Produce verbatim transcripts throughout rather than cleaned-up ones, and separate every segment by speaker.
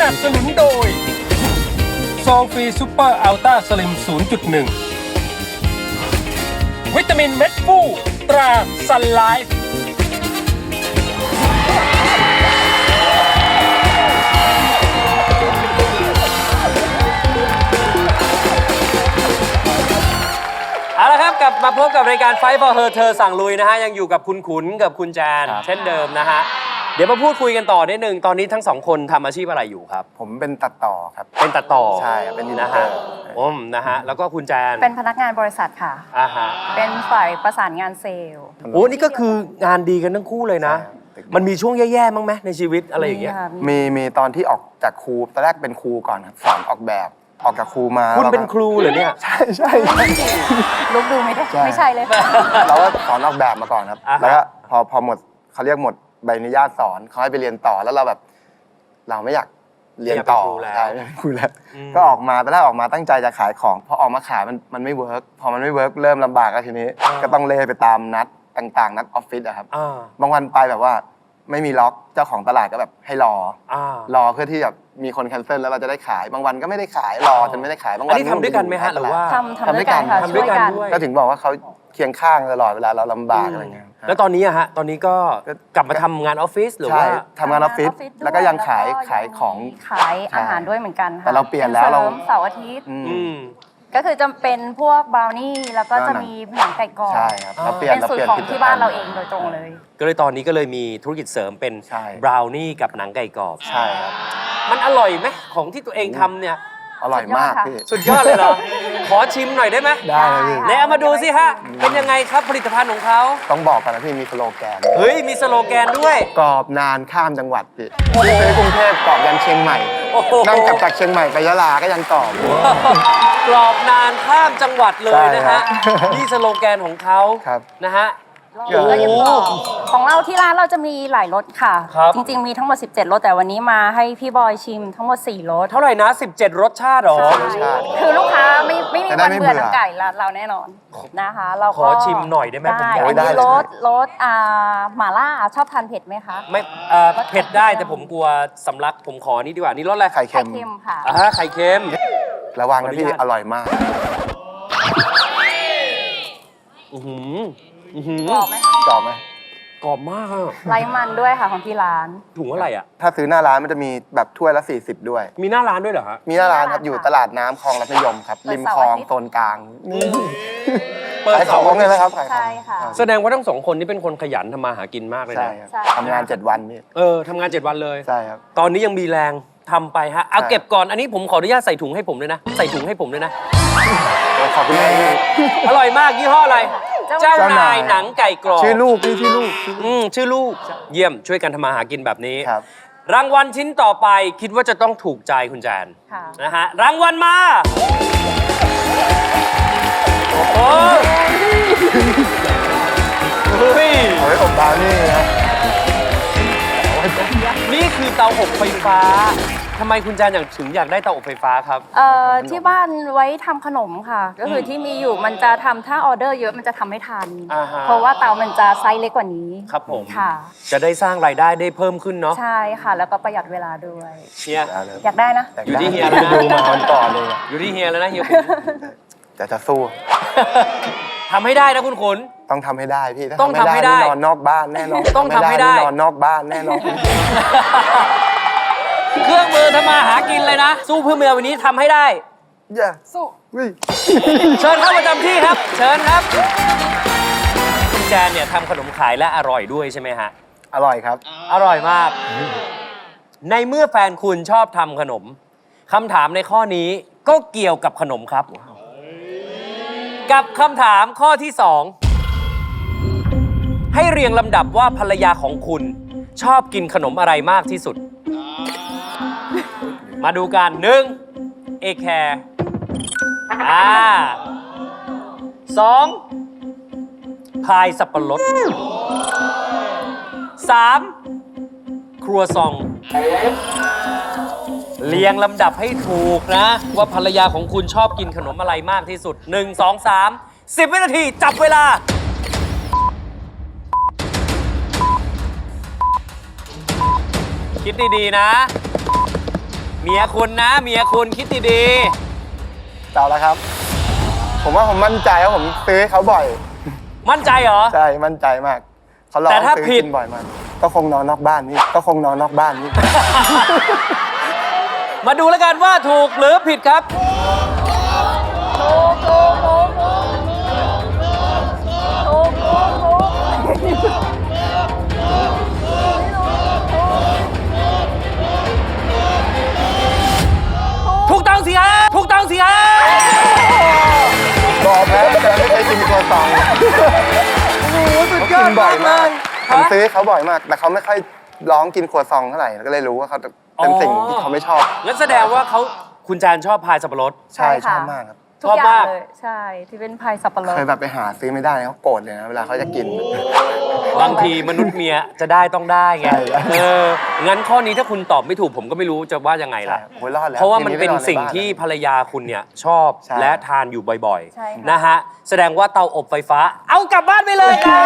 Speaker 1: นับสนุนโดยซองฟรีซูเปอร์อัลต้าสลิม ศูนย์จุดหนึ่ง วิตามินเม็ดฟูตราซันไลฟ์
Speaker 2: เอาละครับกลับมาพบกับรายการ Fight for Her เธอสั่งลุยนะฮะยังอยู่กับคุณขุนกับคุณแจนเช่นเดิมนะฮะเดี๋ยวมาพูดคุยกันต่อนิดนึงตอนนี้ทั้งสองคนทำอาชีพอะไรอยู่ครับ
Speaker 3: ผมเป็นตัดต่อครับ
Speaker 2: เป็นตัดต่อ
Speaker 3: ใช่เป็นดีนะฮะ
Speaker 2: อืมนะฮะแล้วก็คุณแจน
Speaker 4: เป็นพนักงานบริษัทค่ะ
Speaker 2: อ่าฮะ
Speaker 4: เป็นฝ่ายประสานงานเซลล์
Speaker 2: โอ้นี่ก็คืองานดีกันทั้งคู่เลยนะมันมีช่วงแย่ๆมั้งไหมในชีวิตอะไรอย่างเงี้ย
Speaker 3: มีมีตอนที่ออกจากครูตอนแรกเป็นครูก่อนครับสอนออกแบบออกจากครูมา
Speaker 2: คุณเป็นครูเหรอเนี่ย
Speaker 3: ใช่ใช่
Speaker 4: ลุกดูไม่ได้ไม่ใช่เลย
Speaker 3: เราก็สอนออกแบบมาก่อนครับแล้วก็พอพอหมดเขาเรียกหมดใบอนุญาตสอนเขาให้ไปเรียนต่อแล้วเราแบบเราไม่อยากเรียนต่อใช่ครูแล้วก็ออกมาตอนแรกออกมาตั้งใจจะขายของพอออกมาขายมันมันไม่เวิร์กพอมันไม่เวิร์กเริ่มลำบากแล้วทีนี้ก็ต้องเล่ไปตามนัดต่างๆนัดออฟฟิศอะครับบางวันไปแบบว่าไม่มีล็อกเจ้าของตลาดก็แบบให้รอรอเพื่อที่แบบมีคนแคนเซิลแล้วเราจะได้ขายบางวันก็ไม่ได้ขายรอจนไม่ได้ขายบางวัน
Speaker 2: อันนี้ทำด้วยกันไหมฮะหรือว่า
Speaker 4: ทำทำด้วยกันค่ะ
Speaker 2: ทำด้วยกันด้วย
Speaker 3: ก็ถึงบอกว่าเขาเคียงข้างตลอดเวลาเราลำบากอะไรเงี้ย
Speaker 2: แล้วตอนนี้อะฮะตอนนี้ก็กลับมาทำงานออฟฟิศหรือว่า
Speaker 3: ทำงานออฟฟิศแล้วก็ยังขายขายของ
Speaker 4: ขายอาหารด้วยเหมือนกันค่ะ
Speaker 3: แต่เราเปลี่ยนแล้วเรา
Speaker 4: เสาร์อาทิตย์ก็คือจะเป็นพวกบราวนี่แล้วก็จะมีหนังไก่กรอบ
Speaker 3: ใช่ครับเราเปลี่ยน
Speaker 4: เป็นสูตรของที่บ้านเราเองโดยตรงเลย
Speaker 2: ก็เลยตอนนี้ก็เลยมีธุรกิจเสริมเป็นบราวนี่กับหนังไก่กรอบ
Speaker 3: ใช่ครับ
Speaker 2: มันอร่อยไหมของที่ตัวเองทำเนี่ย
Speaker 3: อร่อยมากพี่
Speaker 2: สุดยอดเลยเหรอขอชิมหน่อยได้ไหม
Speaker 3: ได้เลยพี่
Speaker 2: ไหนเอามาดูสิฮะเป็นยังไงครับผลิตภัณฑ์ของเขา
Speaker 3: ต้องบอกกันนะพี่มีสโลแกน
Speaker 2: เฮ้ยมีสโลแกนด้วย
Speaker 3: กรอบนานข้ามจังหวัดพี่ไปกรุงเทพกรอบยันเชียงใหม่นั่งกลับจากเชียงใหม่ไปยะลาก็ยังกรอบ
Speaker 2: กรอบนานข้ามจังหวัดเลยนะฮะนี่สโลแกนของเขานะฮะ
Speaker 4: ของเราที่ร้านเราจะมีหลายรสค่ะจริงๆมีทั้งหมดสิบเจ็ดรสแต่วันนี้มาให้พี่บอยชิมทั้งหมดสี่รส
Speaker 2: เท่าไหร่นะสิบเจ็ดรสชาติหรอ
Speaker 4: คือลูกค้าไม่ไม่มีวันเบื่อหนังไก่เราแน่นอนนะคะเรา
Speaker 2: ขอชิมหน่อยได้ไหมผม
Speaker 4: อยากได้รสรสอ่าหม่าล่าชอบทานเผ็ดไหมคะ
Speaker 2: ไม่เผ็ดได้แต่ผมกลัวสำลักผมขอนี่ดีกว่านี่รสอะไร
Speaker 3: ไข่เค็ม
Speaker 4: ค่ะ
Speaker 2: อ่าไข่เค็ม
Speaker 3: ระวังนะพี่อร่อยมาก
Speaker 2: อือหื
Speaker 4: อกรอบไหม
Speaker 3: กรอบไหม
Speaker 2: กรอบมาก
Speaker 4: ไร้มันด้วยค่ะของที่ร้าน
Speaker 2: ถุงอะไรอ่ะ
Speaker 3: ถ้าซื้อหน้าร้านมันจะมีแบบถ้วยละสี่สิบด้วย
Speaker 2: มีหน้าร้านด้วยเหรอฮะ
Speaker 3: มีหน้าร้านครับอยู่ตลาดน้ำคลองรัตนิยมครับริมคลองโซนกลางขายของเลยนะครับ
Speaker 4: ใช่ค่ะ
Speaker 2: แสดงว่าทั้งสองคนนี่เป็นคนขยันทำมาหากินมากเลยนะ
Speaker 3: ทำงานเจ็ดวันนี่
Speaker 2: เออทำงานเจ็ดวันเลย
Speaker 3: ใช่ครับ
Speaker 2: ตอนนี้ยังมีแรงทำไปฮะเอาเก็บก่อนอันนี้ผมขออนุญาตใส่ถุงให้ผมด้วยนะใส่ถุงให้ผมด้วยนะ
Speaker 3: ขอบคุณมาก
Speaker 2: อร่อยมากยี่ห้ออะไรเจ้านายหนังไก่กรอบ
Speaker 3: ชื่อลูกนี่ชื่อลูก
Speaker 2: อืมชื่อลูกเยี่ยมช่วยกันทำมาหากินแบบนี้รางวัลชิ้นต่อไปคิดว่าจะต้องถูกใจคุณแจนนะฮะรางวัลมาโอ้โหเฮ้ย
Speaker 3: เอาไว้อบดาวนี่นะ
Speaker 2: นี่คือเตาอบไฟฟ้าทำไมคุณแจนอยากถึงอยากได้เตาอบไฟฟ้าครับ
Speaker 4: เอ่อที่บ้านไว้ทำขนมค่ะก็คือที่มีอยู่มันจะทำถ้าออเดอร์เยอะมันจะทำไม่ทันเพราะว่าเตามันจะไซส์เล็กกว่านี้
Speaker 2: ครับผม
Speaker 4: ค่ะ
Speaker 2: จะได้สร้างรายได้ได้เพิ่มขึ้นเนาะ
Speaker 4: ใช่ค่ะแล้วก็ประหยัดเวลาด้วย
Speaker 2: เฮีย
Speaker 4: อยากได้นะ
Speaker 2: อยู่ที่เฮียแล้วนะ
Speaker 3: ดูมาก่อนเลย
Speaker 2: อยู่ที่เฮียแล้วนะเฮีย
Speaker 3: แต่จะสู้
Speaker 2: ทำให้ได้นะคุณขุน
Speaker 3: ต้องทำให้ได้พี่
Speaker 2: ต้องทำให้ได้
Speaker 3: นอนนอกบ้านแน่นอน
Speaker 2: ต้องทำให้ได้
Speaker 3: นอนนอกบ้านแน่นอน
Speaker 2: เครื่องมือทำมาหากินเลยนะสู้เพื่อเมียวันนี้ทำให้ได้
Speaker 3: อย่า
Speaker 4: สู้
Speaker 2: เชิญเข้าประจำที่ครับเชิญครับคุณแจนเนี่ยทำขนมขายและอร่อยด้วยใช่ไหมฮะ
Speaker 3: อร่อยครับ
Speaker 2: อร่อยมากในเมื่อแฟนคุณชอบทำขนมคำถามในข้อนี้ก็เกี่ยวกับขนมครับกับคำถามข้อที่สองให้เรียงลำดับว่าภรรยาของคุณชอบกินขนมอะไรมากที่สุดมาดูกันหนึ่งเอแคร์อ่าสองพายสับปะรดสามครัวซองเรียงลำดับให้ถูกนะว่าภรรยาของคุณชอบกินขนมอะไรมากที่สุดหนึ่ง สอง สาม สิบวินาทีจับเวลาคิดดีๆนะเมียคุณนะเมียคุณคิดดี
Speaker 3: เต่าแล้วครับ ผมว่าผมมั่นใจว่าผมซื้อให้เขาบ่อย
Speaker 2: ๆ มั่นใจเหรอ
Speaker 3: ใช่ มั่นใจมาก เขาลอง
Speaker 2: แต่ถ้า
Speaker 3: ซื้อ
Speaker 2: ผิด
Speaker 3: กินบ่อยมาก ก็คงนอนนอกบ้านนี่ก็คงนอนนอกบ้านนี่
Speaker 2: มาดูแล้วกันว่าถูกหรือผิดครับ ถูกต้องสิฮะถูกต้องสิฮะ
Speaker 3: บอกแพ้แต่ไม่เคยกินครัวซอง
Speaker 2: โอ้โหสุด
Speaker 3: เขา
Speaker 2: ยอ
Speaker 3: กิ
Speaker 2: ด
Speaker 3: นบ่อยมาก
Speaker 2: ฮะ
Speaker 3: ผมซื้อให้เขาบ่อยมาก แต่เขาไม่ค่อยร้องกินครัวซองเท่าไหร่ก็เลยรู้ว่าเขาเป็นสิ่งที่เขาไม่ชอบ
Speaker 2: งั้นแสดงว่าเขาคุณแจนชอบพายสับปะรด
Speaker 3: ใช่
Speaker 4: ใช่
Speaker 3: ช
Speaker 4: ค่ะ
Speaker 3: อบมากครับ
Speaker 4: ทุกอย่า
Speaker 2: ชอบมาง ก
Speaker 4: เลยใช่ที่เป็นพายสับปะรด
Speaker 3: เคยแบบไปหาซื้อไม่ได้เขาโกรธเลยนะเวลาเขาจะกิน
Speaker 2: บางทีมนุษย์เมียจะได้ต้องได้ไง
Speaker 3: ใช่ครับ
Speaker 2: เออ งั้นข้อนี้ถ้าคุณตอบไม่ถูกผมก็ไม่รู้จะว่ายังไงล่ะ
Speaker 3: โอ้ยรอดแล้ว
Speaker 2: เพราะว่ามันเป็น
Speaker 3: ทีไม่อใ
Speaker 2: สิ่ง
Speaker 3: บ้า
Speaker 2: ที่
Speaker 3: แล้ว
Speaker 2: ภรรยาคุณเนี่ยชอบ
Speaker 3: ใช่
Speaker 2: และทานอยู่บ่อย
Speaker 4: ใช่ค่ะ
Speaker 2: ๆ นะฮะ แสดงว่าเตาอบไฟฟ้า เอากลับบ้านไปเลยครับ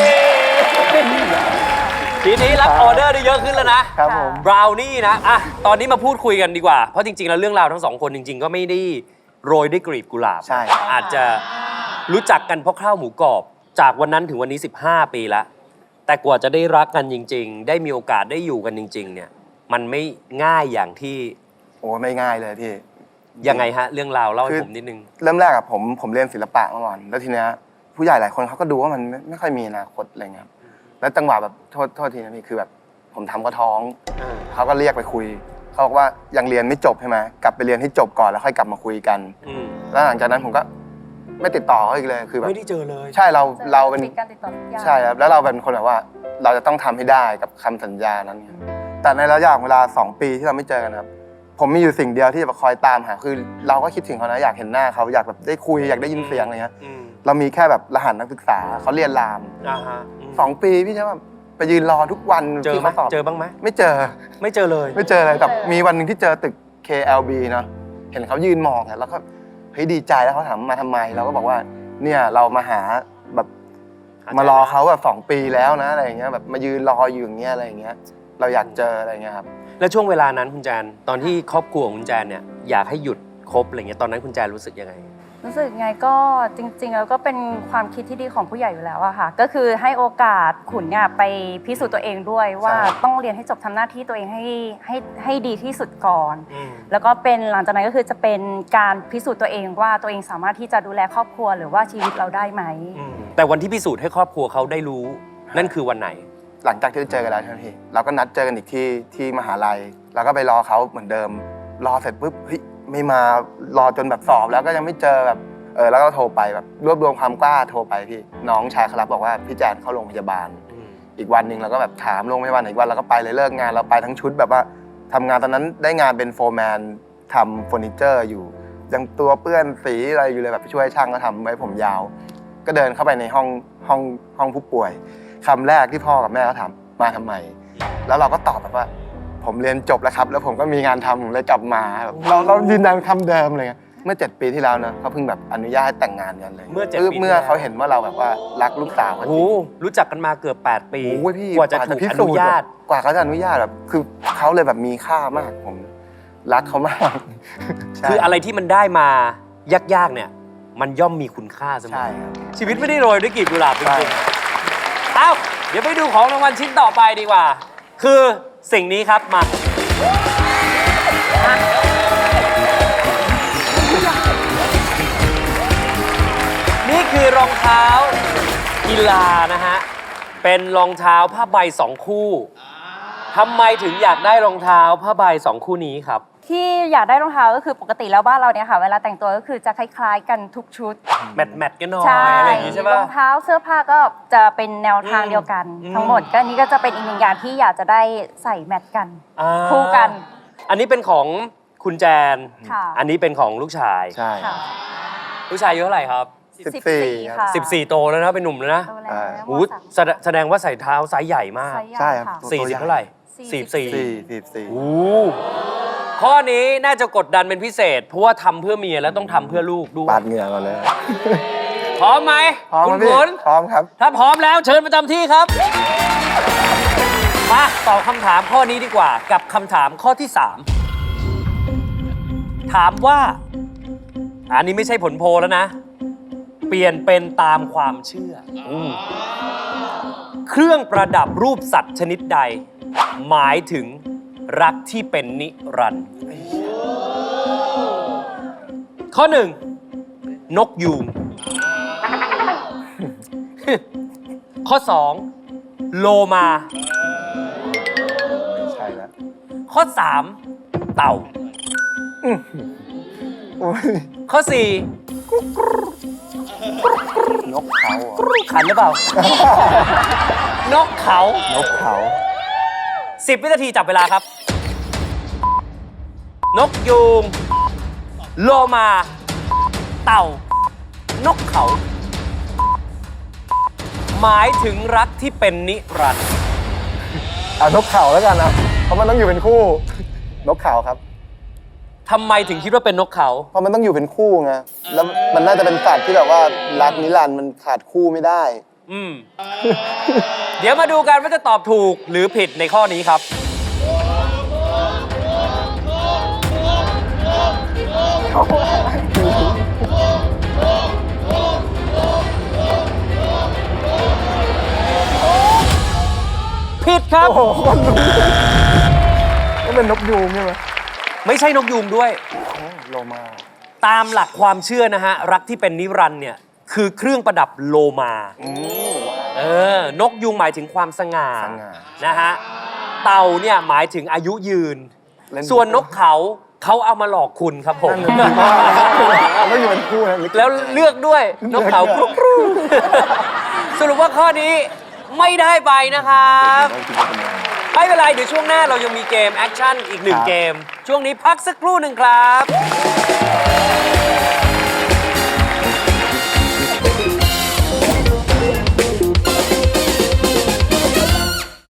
Speaker 2: ทีนี้รับออเดอร์ได้เยอะขึ้นแล้วนะครับ
Speaker 3: ผม
Speaker 2: บราวนี่นะ อ่ะ ตอนนี้มาพูดคุยกันดีกว่า เพราะจริงๆ แล้วเรื่องราวทั้งสองคนจริง ๆ ก็ไม่ได้โรยด้วยกลีบกุหลาบ
Speaker 3: ใช่
Speaker 2: อาจจะรู้จักกันเพราะข้าวหมูกรอบ จากวันนั้นถึงวันนี้ สิบห้า ปีแล้ว แต่กว่าจะได้รักกันจริง ๆ ได้มีโอกาสได้อยู่กันจริง ๆ เนี่ย มันไม่ง่ายอย่างที่
Speaker 3: โอ้ไม่ง่ายเลยพี่
Speaker 2: ยังไงฮะ เรื่องราวเล่าให้
Speaker 3: คือ
Speaker 2: ผมนิดนึง
Speaker 3: เริ่มแรกอะผมผมเรียนศิลปะมาก่อนแล้วทีเนี้ยผู้ใหญ่หลายคนเขาก็ดูว่ามันไม่ไม่ค่อยมีอนาคตอะไรเงี้ยครับแล้วจังหวะแบบโทษโทษทีนะพี่คือแบบผมทำก็ท้องเขาก็เรียกไปคุยเขาบอกว่ายังเรียนไม่จบใช่ไหมกลับไปเรียนให้จบก่อนแล้วค่อยกลับมาคุยกัน
Speaker 2: อืม
Speaker 3: แล้วหลังจากนั้นผมก็ไม่ติดต่อเขาอีกเลยคือแบบ
Speaker 2: ไม่ได้เจอเลย
Speaker 3: ใช่เราเราเป็น
Speaker 4: ปิดการติดต่อทุกอย่าง
Speaker 3: ใช่ครับแล้วเราเป็นคนแบบว่าเราจะต้องทำให้ได้กับคำสัญญานั้นครับแต่ในระยะเวลาสองปีที่เราไม่เจอกันครับผมมีอยู่สิ่งเดียวที่จะคอยตามหาคือเราก็คิดถึงเขานะอยากเห็นหน้าเขาอยากแบบได้คุยอยากได้ยินเสียงอะไรเงี้ย
Speaker 2: อืม
Speaker 3: เรามีแค่แบบรหัสนักศึกษาเขาเรียนราม
Speaker 2: อ่าฮะม
Speaker 3: สองปีพี่ใช่ไหมไปยืนรอทุกวัน
Speaker 2: เจอ
Speaker 3: ที่
Speaker 2: ไหม
Speaker 3: เขาสอบ
Speaker 2: เจอบ้างไหม
Speaker 3: ไม่เจอ
Speaker 2: ไม่เจอเลย
Speaker 3: ไม่เจอเลยแต่มีวันหนึ่งที่เจอตึก เค แอล บี เนาะเห็นเขายืนมองอะแล้วก็เฮ้ยดีใจแล้วเขาถามมาทำไมเราก็บอกว่าเนี่ยเรามาหาแบบ
Speaker 2: หาใจ
Speaker 3: มารอเขาแบบสองปีแล้วนะอะไรอย่างเงี้ยแบบมายืนรออยู่อย่างเงี้ยอะไรอย่างเงี้ยเราอยากเจออะไรอย่างเงี้ยครับ
Speaker 2: แล้วช่วงเวลานั้นคุณแจน ตอนที่ครอบครัวของคุณแจนเนี่ยอยากให้หยุดคบอะไรเงี้ย ตอนนั้นคุณแจนรู้สึกยังไง
Speaker 4: รู้สึกไงก็จริงๆแล้วก็เป็นความคิดที่ดีของผู้ใหญ่อยู่แล้วอะค่ะก็คือให้โอกาสขุนเนี่ยไปพิสูจน์ตัวเองด้วยว่าต้องเรียนให้จบทำหน้าที่ตัวเองให้ให้ให้ดีที่สุดก่อน แล้วก็เป็นหลังจากนั้นก็คือจะเป็นการพิสูจน์ตัวเองว่าตัวเองสามารถที่จะดูแลครอบครัวหรือว่าชีวิตเราได้ไหม
Speaker 2: แต่วันที่พิสูจน์ให้ครอบครัวเขาได้รู้ นั่นคือวันไหน
Speaker 3: หลังจากที่เจอกันแล้วใช่ไหมพี่เราก็นัดเจอกันอีกที่ที่มหาลัยเราก็ไปรอเขาเหมือนเดิม รอเสร็จปุ๊บเฮ้ยไม่มารอจนแบบสอบแล้วก็ยังไม่เจอแบบเออแล้วก็โทรไปแบบรวบรวมความกล้าโทรไปพี่น้องชายเขารับบอกว่าพี่แจนเข้าโรงพยาบาล อีกวันหนึ่งเราก็แบบถามโรงพยาบาลไหนอีกวันเราก็ไปเลยเลิกงานเราไปทั้งชุดแบบว่าทำงานตอนนั้นได้งานเป็นโฟร์แมนทำเฟอร์นิเจอร์อยู่ยังตัวเปื้อนสีอะไรอยู่เลยแบบช่วยช่างก็ทำไว้ผมยาว ก็เดินเข้าไปในห้องห้องห้องผู้ป่วยคำแรกที่พ่อกับแม่เขาถามมาทำไม แล้วเราก็ตอบแบบว่า ผมเรียนจบแล้วครับ แล้วผมก็มีงานทำผมเลยกลับมาแบบเราเรายืนยันคำเดิมเลยเมื่อเจ็ดปีที่แล้วนะเขาเพิ่งแบบอนุญาตให้แต่งงานกันเลย
Speaker 2: เมื่อเจ็ดปี
Speaker 3: เมื่อเขาเห็นว่าเราแบบว่ารักลูกสาวเขาจ
Speaker 2: โอ้
Speaker 3: ริ
Speaker 2: โห
Speaker 3: ง
Speaker 2: รู้จักกันมาเกือบแปดปี
Speaker 3: โอ้ยพี่
Speaker 2: กว่าจะถูก
Speaker 3: พิ
Speaker 2: อ
Speaker 3: สู
Speaker 2: นุ
Speaker 3: จน์
Speaker 2: ญาต
Speaker 3: แบบกว่าเขาจะอนุญาตแบบคือเขาเลยแบบมีค่ามากผมรักเขามากใช่
Speaker 2: คืออะไรที่มันได้มายากๆเนี่ย มันย่อมมีคุณค่าเสม
Speaker 3: ใช่
Speaker 2: อ
Speaker 3: ครับ
Speaker 2: ชีวิตไม่ได้โรยด้วยกลีบกุหลาบจ
Speaker 3: ใช่
Speaker 2: ริงๆเอ้า เดี๋ยวไปดูของรางวัลชิ้นต่อไปดีกว่า คือสิ่งนี้ครับมา นี่คือรองเท้ากีฬานะฮะ เป็นรองเท้าผ้าใบสองคู่ ทำไมถึงอยากได้รองเท้าผ้าใบสองคู่นี้ครับ
Speaker 4: ที่อยากได้รองเท้าก็คือปกติแล้วบ้านเราเนี่ยค่ะเวลาแต่งตัวก็คือจะคล้ายๆกันทุกชุด
Speaker 2: แมทแมทกันหน่อย
Speaker 4: ใช่
Speaker 2: อะไรอย่างงี้ใช่
Speaker 4: ร
Speaker 2: ป่ะ
Speaker 4: องเท้าเสื้อผ้าก็จะเป็นแนวทาง
Speaker 2: อืม
Speaker 4: เดียวกัน
Speaker 2: อืม
Speaker 4: ทั้งหมดก็อันนี้ก็จะเป็นอีกหนึ่งอย่างที่อยากจะได้ใส่แมทกัน
Speaker 2: อ่า
Speaker 4: คู่กัน
Speaker 2: อันนี้เป็นของคุณแจน
Speaker 4: ค่ะ
Speaker 2: อันนี้เป็นของลูกชาย
Speaker 3: ใช่
Speaker 4: ค่ะ
Speaker 2: ลูกชายอายุเท่าไหร่ครับ
Speaker 3: สิบสี่ครับ
Speaker 4: ค่ะ
Speaker 2: สิบสี่ โตแล้วนะเป็นหนุ่มแล้วนะ
Speaker 4: โตแล้ว
Speaker 3: อ่า
Speaker 2: โอ้โหแสดงแสดงว่าใส่เท้าไซส์ใหญ่มาก
Speaker 4: ไซส์ใหญ่
Speaker 3: ใช่ครับ
Speaker 4: ค่ะ
Speaker 3: ตัว
Speaker 2: สี่สิบ
Speaker 3: ใหญ่
Speaker 2: เท่าไหร่
Speaker 4: สี่
Speaker 2: สี่
Speaker 4: สิ
Speaker 2: สี่
Speaker 4: บ
Speaker 3: สี่สิบสี่
Speaker 2: โอ้ข้อนี้น่าจะกดดันเป็นพิเศษ เพราะว่าทำเพื่อเมียแล้วต้องทำเพื่อลูกด้วย
Speaker 3: ปาดเหงื่อก่อนเลย
Speaker 2: พร้อมไหม
Speaker 3: พร้อม
Speaker 2: คุ
Speaker 3: ครั
Speaker 2: ณ
Speaker 3: บพี่
Speaker 2: ขุน
Speaker 3: พร้อมครับ
Speaker 2: ถ้าพร้อมแล้วเชิญประจำที่ครับ มาตอบคำถามข้อนี้ดีกว่า กับคำถามข้อที่ สามถามว่า อันนี้ไม่ใช่ผลโพลแล้วนะ เปลี่ยนเป็นตามความเชื่ออเครื่องประดับรูปสัตว์ชนิดใด หมายถึงรักที่เป็นนิรันดร์ข้อหนึ่งนกยูง ข้อสองโลมา
Speaker 3: ไม่ใช่แล้ว
Speaker 2: ข้อสามเต่า
Speaker 3: โอ้ย
Speaker 2: ข้อสี่
Speaker 3: นกเขาเหรอ
Speaker 2: ขันหรือเปล่า นกเขา
Speaker 3: นกเขา
Speaker 2: สิบวินาทีจับเวลาครับ นกยูง โลมา เต่า นกเขา หมายถึงรักที่เป็นนิรันดร์
Speaker 3: เอานกเขาแล้วกันนะเพราะมันต้องอยู่เป็นคู่ นกเขาครับ
Speaker 2: ทำไมถึงคิดว่าเป็นนกเขา
Speaker 3: เพราะมันต้องอยู่เป็นคู่ไงแล้วมันน่าจะเป็นสัตว์ที่แบบว่ารักนิรันดร์มันขาดคู่ไม่ได้
Speaker 2: อืม เดี๋ยวมาดูกันว่าจะตอบถูกหรือผิดในข้อนี้ครับ ผิดครับ
Speaker 3: โอ้โหคนรู้ก็เป็นนกยูงใช่ไหม
Speaker 2: ไม่ใช่นกยูงด้วย
Speaker 3: โอ้โลมา
Speaker 2: ตามหลักความเชื่อนะฮะ รักที่เป็นนิรันดร์เนี่ย คือเครื่องประดับโลมา
Speaker 3: อืม
Speaker 2: เออ นกยูงหมายถึงความสง่า
Speaker 3: สง่า
Speaker 2: นะฮะ เต่าเนี่ยหมายถึงอายุยืน
Speaker 3: เล่น
Speaker 2: ส่วนนกเขาเขาเอามาหลอกคุณครับผม
Speaker 3: นั่นน่ะสิว่าต้องอยู่เป็นคู่นะ
Speaker 2: แล้วเลือกด้วยนกเขากรุบกรูสรุปว่าข้อนี้ไม่ได้ไปนะครับ ไม่เป็นไร เดี๋ยวช่วงหน้าเรายังมีเกมแอคชั่นอีกหนึ่งเกม ช่วงนี้พักสักครู่หนึ่งครับ